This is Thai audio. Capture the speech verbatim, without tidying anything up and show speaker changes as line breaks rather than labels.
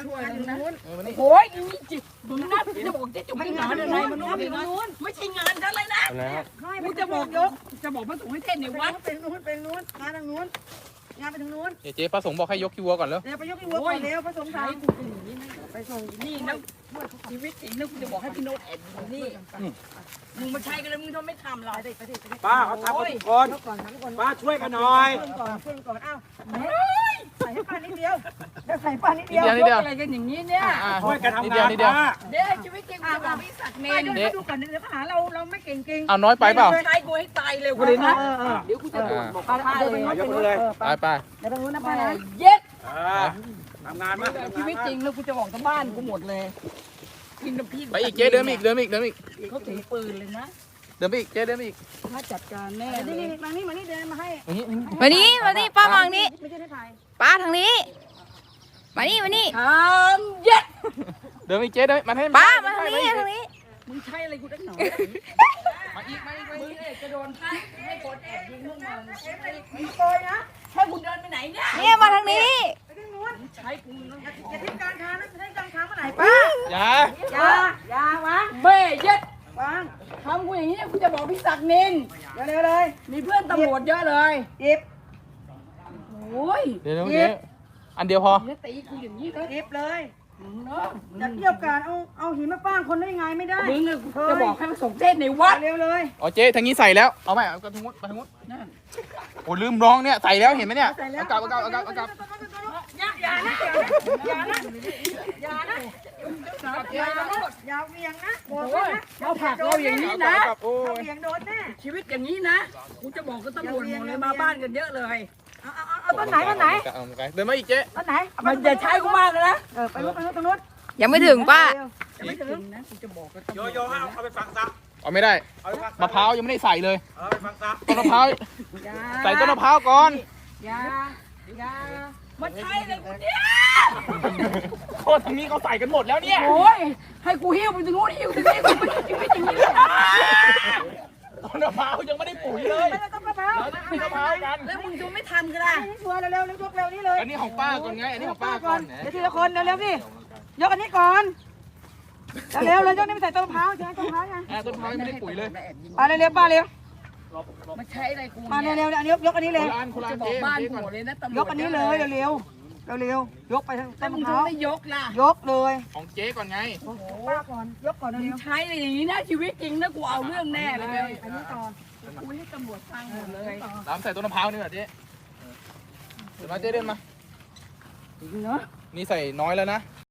ช่วยทางนู้น
โอ้ยนี่จิดูนะจะบอกจะจุกให้งานอะไรมันนู้นไม่ใช่งานฉันเลยนะกูจะบอกยกจะบอกพระสงฆ์ให้เต้นในวัด
เป็นนู้นเป็นนู้นงานทางนู้นงานไปทางนู้น
เดี๋ยวเจ๊พระสงฆ์บอกให้ยกขี้วัวก่อนแล้ว
เดี๋ยวไปยกที่วัวก่อนเร็วผสม
ใช้
สาย
กูเป็นอย่างนี้นะไปส่งนี่นะชีวิตจริงนะกูจะบอกให้พี่โน้ตแอบอยู่นี่มึงมาใช้กันแล้วมึงทำไม่ทำหรอก
ป้าเขาทำกันทุกคน
ยกก่อนทำก่อน
ป้าช่วยกันหน่อย
ขึ้นก่อนขึ้นก่อนอ้าวใส่ให้ป้านิดเดียวใส่ป้านิด
นิ
เดี
ด
ยว
เดียวนิดเดียว
อะไรกันอย่างนี้เนี่ย
อ่า
ช่วยกันทำ
นิดเดีย
งา
วน นิดเดียว
ป้า
เดี๋ยวชีวิตจริงกูจะบอกพี่ศักดิ์เน
ป้าน ดูดูก่อนเดี๋ยวหาเราเราไม่เก่งจริง
เอาน้อยไปเปล่า
ใช้กูให้ตายเร็วกว่าเลยนะ
เออเออ
เดี๋ยวกูจะบอกบอก
ป้า
ป้า
เดี๋ยว
เล
ไป
ย
นู้นไปนู้นเออ
ไป
ป้า
ไป
เดี๋ยวไปนู้นนะป้านะ
เย็ด
ทำงานมา
ชีวิตจริงแล้วกูจะบอกทั้งบ้านกูหมดเลยกินน้ำพริก
ไปอีกเจ๊เดินอีกเดินอีกเดินอีก
เขาถือปืนเลยนะ
เดินอีกเจ๊เดินอีก
ถ้าจัดการแน่
นี่นี่มานี่มานี่เดินมาให้
อย่างนี้
มานี่มานี่ป้ามางนี่
ไม่ใช่ได้ถ่าย
ป้าทางนี้ มานี่มานี่
ทำเย็ด
เดินอีกเจ๊เดินมันให้
ป้ามาทางนี้ทางนี้
มึงใช่อะไรกูตั้งหนอ
มาอีกมาอีกมา
มึง
อีก
เนี่ยจะโดนท่าให้คนแอบยิงพวกมึง
มีโกยนะ
ให้คุณเดินไปไหนเนี่ย
เนี่ยมาทางนี้
ไปทางนู้น
ใช้กูนะ
อย่าทิ้งกลางทางนะทิ้งกลางทางเมื่อไหร่ป้า
อย่า
อย่าอย่าวาง
เบ้เย็ด
วาง
ทำกูอย่างนี้กูจะบอกพี่ศักดิ์นิน
เดี๋ยวเร็วเลย
มีเพื่อนตำรวจเยอะเลย
หยิบ
โอ้ย
เดี๋ยวเจ๊อันเดียวพอ
จะตีกูอย่างนี้เลย
หยิบเลย
มึงเนาะ
จะเที่ยวการเอาเอาหินมาป้างคนได้ยังไงไม่ได้
มึงอะจะบอกให้มาส่งเทศในวัด
เร็วเลย
อ๋อเจ๊ทางนี้ใส่แล้วเอาไหมเอากระทุ้งไปทางนู้น
นั่น
โอ้ลืมร้องเนี่ยใส่แล้วเห็นไหมเนี่ย
ใส่แล้ว
เอากลับเอากลับเอากลับเอากลับ
อย่าอย่านะอย่านะอย่านะอย่านะอย่าเวียงนะบอก
โอ้
ไว้
ย
นะ
เราผลักเราอย่างนี้นะ
เอากลับโอ้
ถ้าย เวียงโดนแน่
ชีวิตอย่างนี้นะกูจะบอกกับตำรวจหมดเลยมาบ้านกันเยอะเลย
เอาเอาเอาต้นไหนต้นไหน
เอาไปเดินมาอีกเจ๊
ต้นไหน
มันจะใช้กูมากเลยนะ
เออไปนู้นไปนู้นตรงนู้น
ยังไม่ถึงป้า
จะไม่ถึงนะกูจะบอกกับตำร
โยว
จ
โย่ให้เอาเอาไปฝังซะ
เอาไม่ได้
เอาไปฝังซะ
มะพร้าวยังไม่ได้ใส่เลย
เอาไปฝังซะ
ต้นมะพร้าว
อย่า
ใส่ต้นมะพร้าวก่อน
อย่าอย่ามาใช้เลยกูเนี่ย
โคตรทางนี้เขาใส่กันหมดแล้วเนี่ย
โอ้ยให้กูหิ้วไปตรงนู้นหิ้วตรงนี้กูไม่ใช่ชีวิตอย่างนี้เลยนะ
ต้นมะพร้าวยังไม่ได้ปุ๋ยเลย
ไปต้นมะพร้าว
เราจะกินมะพร้าวกัน
แล้วมึงจะไม่ทำกันล่ะ
นี่ชัวร์เร็วๆเร็วยกเร็วนี่เลย
อันนี้ของป้าก่อนไง อันนี้ของป้าก่อน
เดี๋ยวทีละคนเร็วๆสิยกอันนี้ก่อนเร็วๆเลยยกนี่ไปใส่ต้นมะพร้าวใช่ไหมต้นมะพร้าวยัง
อ่าต้นมะพร้าวยังไม่ได้ปุ๋ยเลย
ป้าเร็วๆป้าเร็ว
มาใช้อะไรกู
มา
เนี่ย
เร็วๆอันนี้ยกอันนี้
ค
เลย
นละอันคนละอั
จะ
น
บอก
เจ๊
บ้าน
เจ๊
กู
ก่อน
หมดเลยนะตำรวจ
ยกอันนี้เลยเร็วๆเร็วๆยกไปทาง
แต่
ต้น
มึง
มะพ
ถึ
ร้าง ว
ไม่ยกล่ะ
ยกเลย
ของเจ๊ก่อนไง
ป้าก่อนยกก่อน
มึ
เร็
ง
ว
ใช้อะไรอย่างนี้นะชีวิตจริงนะกูเอาเรื่องแน่เลย
อันนี้ก่อน
กูให้ตำรวจฟังหมดเลย
ตามใส่ต้นมะพร้าวนี่เหรอเจ๊เดินมาเจ๊เดินมา
เนาะ
นี่ใส่น้อยแล้วนะ